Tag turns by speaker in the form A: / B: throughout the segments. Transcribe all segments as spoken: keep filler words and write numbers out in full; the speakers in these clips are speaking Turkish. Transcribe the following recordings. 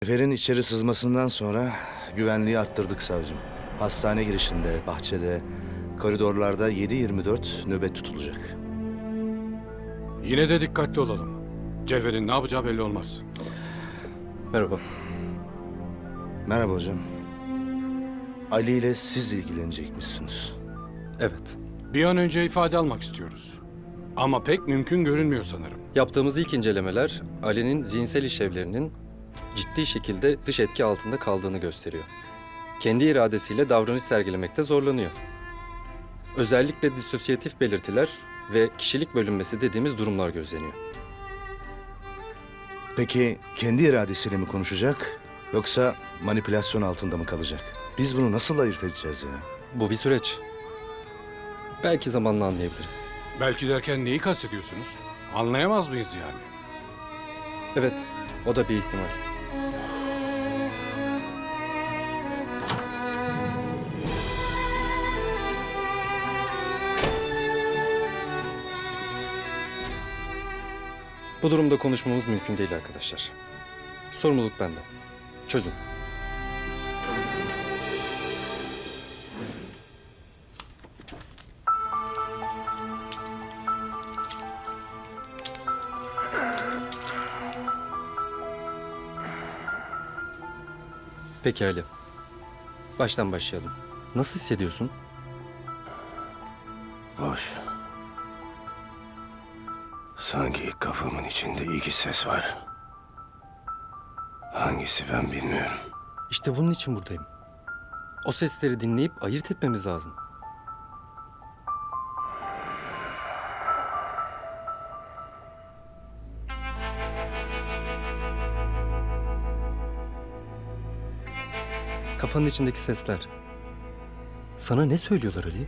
A: Sefer'in içeri sızmasından sonra güvenliği arttırdık savcım. Hastane girişinde, bahçede, koridorlarda yedi yirmi dört nöbet tutulacak.
B: Yine de dikkatli olalım. Cevher'in ne yapacağı belli olmaz.
C: Merhaba.
A: Merhaba hocam. Ali ile siz ilgilenecekmişsiniz.
C: Evet.
B: Bir an önce ifade almak istiyoruz. Ama pek mümkün görünmüyor sanırım.
C: Yaptığımız ilk incelemeler Ali'nin zihinsel işlevlerinin ciddi şekilde dış etki altında kaldığını gösteriyor. Kendi iradesiyle davranış sergilemekte zorlanıyor. Özellikle disosyatif belirtiler ve kişilik bölünmesi dediğimiz durumlar gözleniyor.
A: Peki kendi iradesiyle mi konuşacak yoksa manipülasyon altında mı kalacak? Biz bunu nasıl ayırt edeceğiz ya?
C: Bu bir süreç. Belki zamanla anlayabiliriz.
B: Belki derken neyi kastediyorsunuz? Anlayamaz mıyız yani?
C: Evet, o da bir ihtimal. Bu durumda konuşmamız mümkün değil arkadaşlar. Sorumluluk bende. Çözün. Peki Ali. Baştan başlayalım. Nasıl hissediyorsun?
D: Boş. Sanki kafamın içinde iki ses var. Hangisi ben bilmiyorum.
C: İşte bunun için buradayım. O sesleri dinleyip ayırt etmemiz lazım. Kafanın içindeki sesler. Sana ne söylüyorlar Ali?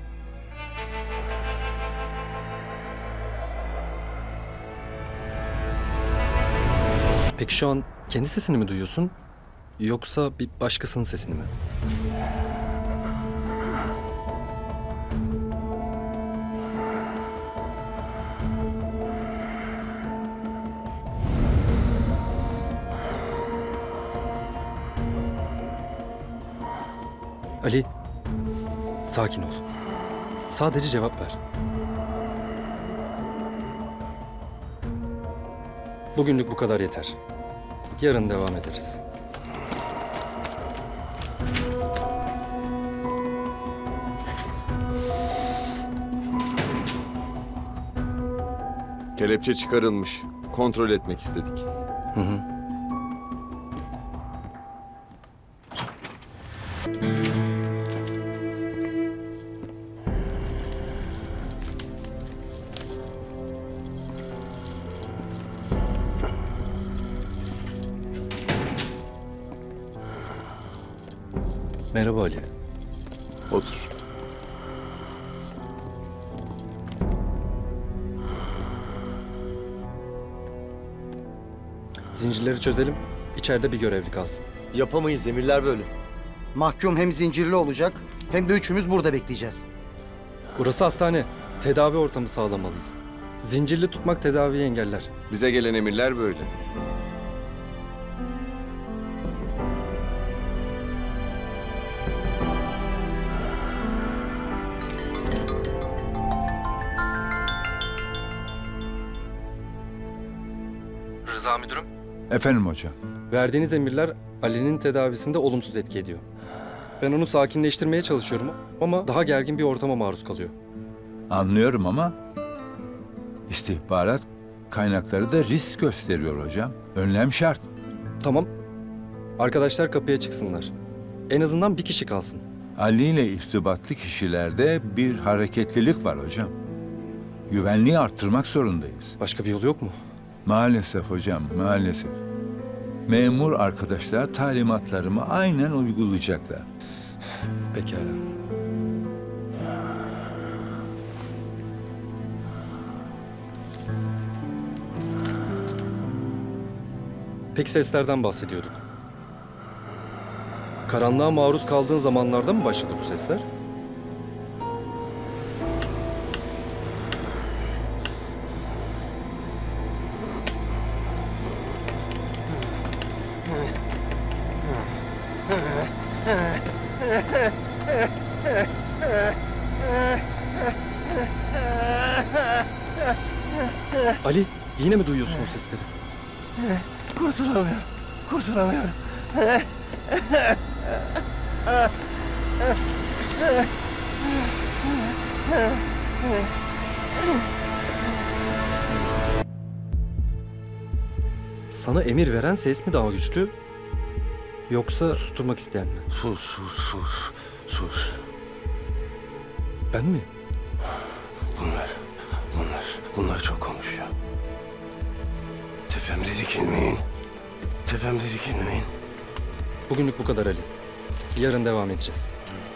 C: Peki şu an kendi sesini mi duyuyorsun? Yoksa bir başkasının sesini mi? Ali, sakin ol. Sadece cevap ver. Bugünlük bu kadar yeter. Yarın devam ederiz.
E: Kelepçe çıkarılmış. Kontrol etmek istedik.
C: Hı hı. Merhaba Ali.
E: Otur.
C: Zincirleri çözelim. İçeride bir görevli kalsın.
F: Yapamayız, emirler böyle.
G: Mahkum hem zincirli olacak hem de üçümüz burada bekleyeceğiz.
C: Burası hastane. Tedavi ortamı sağlamalıyız. Zincirli tutmak tedaviyi engeller.
E: Bize gelen emirler böyle.
C: Rıza müdürüm.
H: Efendim hocam.
C: Verdiğiniz emirler Ali'nin tedavisinde olumsuz etki ediyor. Ben onu sakinleştirmeye çalışıyorum ama daha gergin bir ortama maruz kalıyor.
H: Anlıyorum ama istihbarat kaynakları da risk gösteriyor hocam. Önlem şart.
C: Tamam. Arkadaşlar kapıya çıksınlar. En azından bir kişi kalsın.
H: Ali ile irtibatlı kişilerde bir hareketlilik var hocam. Güvenliği arttırmak zorundayız.
C: Başka bir yol yok mu?
H: Maalesef hocam, maalesef. Memur arkadaşlar talimatlarımı aynen uygulayacaklar.
C: Pekala. Peki seslerden bahsediyorduk. Karanlığa maruz kaldığın zamanlarda mı başladı bu sesler? Ali, yine mi duyuyorsun o sesleri?
D: Kurtulamıyorum. Kurtulamıyorum.
C: Sana emir veren ses mi daha güçlü? Yoksa susturmak isteyen mi?
D: Sus, sus, sus. Sus.
C: Ben mi?
D: Bunlar, bunlar, bunlar çok konuşuyor. Tepemde dikilmeyin. Tepemde dikilmeyin.
C: Bugünlük bu kadar Ali. Yarın devam edeceğiz.